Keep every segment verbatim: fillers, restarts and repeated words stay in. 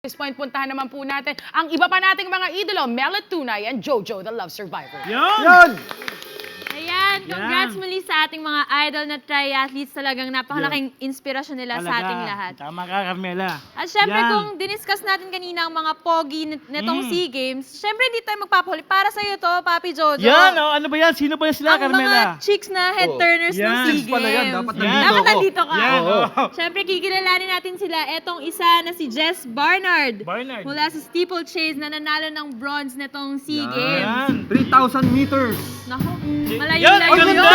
This point, puntahan naman po natin ang iba pa nating mga idolo, Mela Tunay and Jojo, the Love Survivor. Yan! Yan! Ayan, congrats Yan. muli sa ating mga idol na triathletes. Talagang napakalaking inspirasyon nila sa ating lahat. Tama ka, Carmela. At syempre, Yan. kung diniscuss natin kanina ang mga pogi n- netong Mm. SEA Games, syempre hindi tayo magpapahuli. Para sa'yo to, Papi Jojo. Yan, oh, ano ba yan? Sino ba yan sila, ang Carmela? mga chicks na head Oh. turners ng Yan. SEA Chicks Games. pala yan, dapat Yan. nandito Dapat ako. nandito ka. Yan, Oo. oh. Syempre, kikilalanin natin sila. Etong isa na si Jess Barnard. Barnard. Mula sa steeplechase na nanalo ng bronze netong SEA Yan. Games. Yan. three thousand meters. Naku, Yan, malayo-layo ang yun. ganda!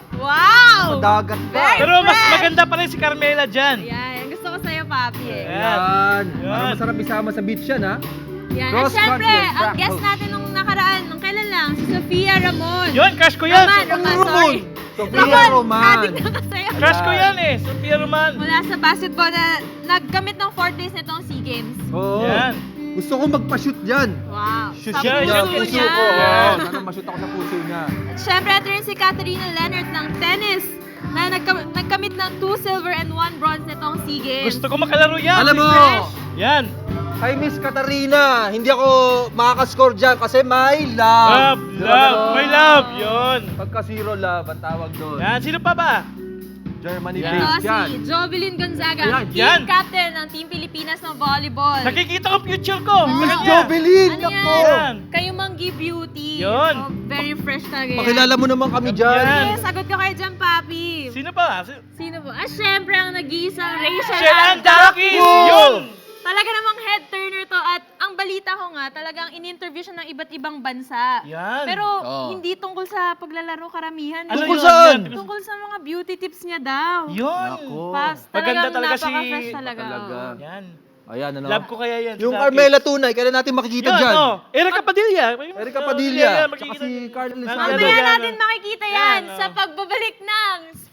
Wow! Dagat pa. Very Pero mas fresh. maganda pa rin si Carmela dyan. Ayan, gusto ko sa'yo, Papi eh. Yan. Yan. Para masarap isama sa beach yan, ha? Yan. At Cross syempre, country, ang track guest coach. natin nung nakaraan, nung kailan lang, si Sofia Ramon. Yun, crush ko yan. Roman, Roman, sorry. Sofia Roman. Adik na ka sa'yo. Crush ko yan eh. Sophia Roman. Mula sa basketball na nagkamit ng fourth place nitong SEA Games. Oo. Yan. Gusto ko magpa-shoot dyan. Wow. Shoot Sa yan, puso yan, niya. puso ko. Yan. Sana ma-shoot ako sa puso niya. At syempre, ito rin si Katarina Leonard ng tennis na nagka- nagkamit ng two silver and one bronze nitong SEA Games. Gusto ko makalaro yan. Alam mo, Yan. kay Miss Katarina, hindi ako makakascore dyan kasi may Love, love. love, my love. Yun. Pagka zero love, ang tawag doon. Yan, sino pa ba? Germany Yan. Ito based yan. si Jovelyn Gonzaga, Ayan, team yan. captain ng Team Pilipinas ng volleyball. Nakikita ko future ko. Miss Sa kanya. Jovelyn, Ano ako. Yan. Kayo Manggi Beauty. Yun. Oh, very fresh talaga yan. Pakilala mo naman kami dyan. Yan. Yes, sagot ko kayo dyan, Papi. Sino pa? Si- Sino po? Ah, syempre ang nag-iisang Rachel Rachel Andakis. Andakis. Wow. Yun. Talaga namang head turner to at ang balita ko nga, talagang in-interview siya ng iba't ibang bansa. Yan. Pero Oo. hindi tungkol sa paglalaro karamihan. Ano Tungkol yun? saan? Yan. Tungkol sa mga beauty tips niya daw. Yun. Nako. Paps, Maganda talagang talaga si- napaka-fresh talaga. Talaga. oo. Yan. Ayan, ano? Love ko kaya yan. Yung Andakis. Carmela Tunay, kailan natin makikita Yun, dyan? oh. Erica Padilla. Erica Oh, Padilla. yeah, Tsaka makikita si niyo. Carl Nandyan, Lizardo. Mamaya yan, natin oh. makikita yan Yan, sa oh. pagbabalik ng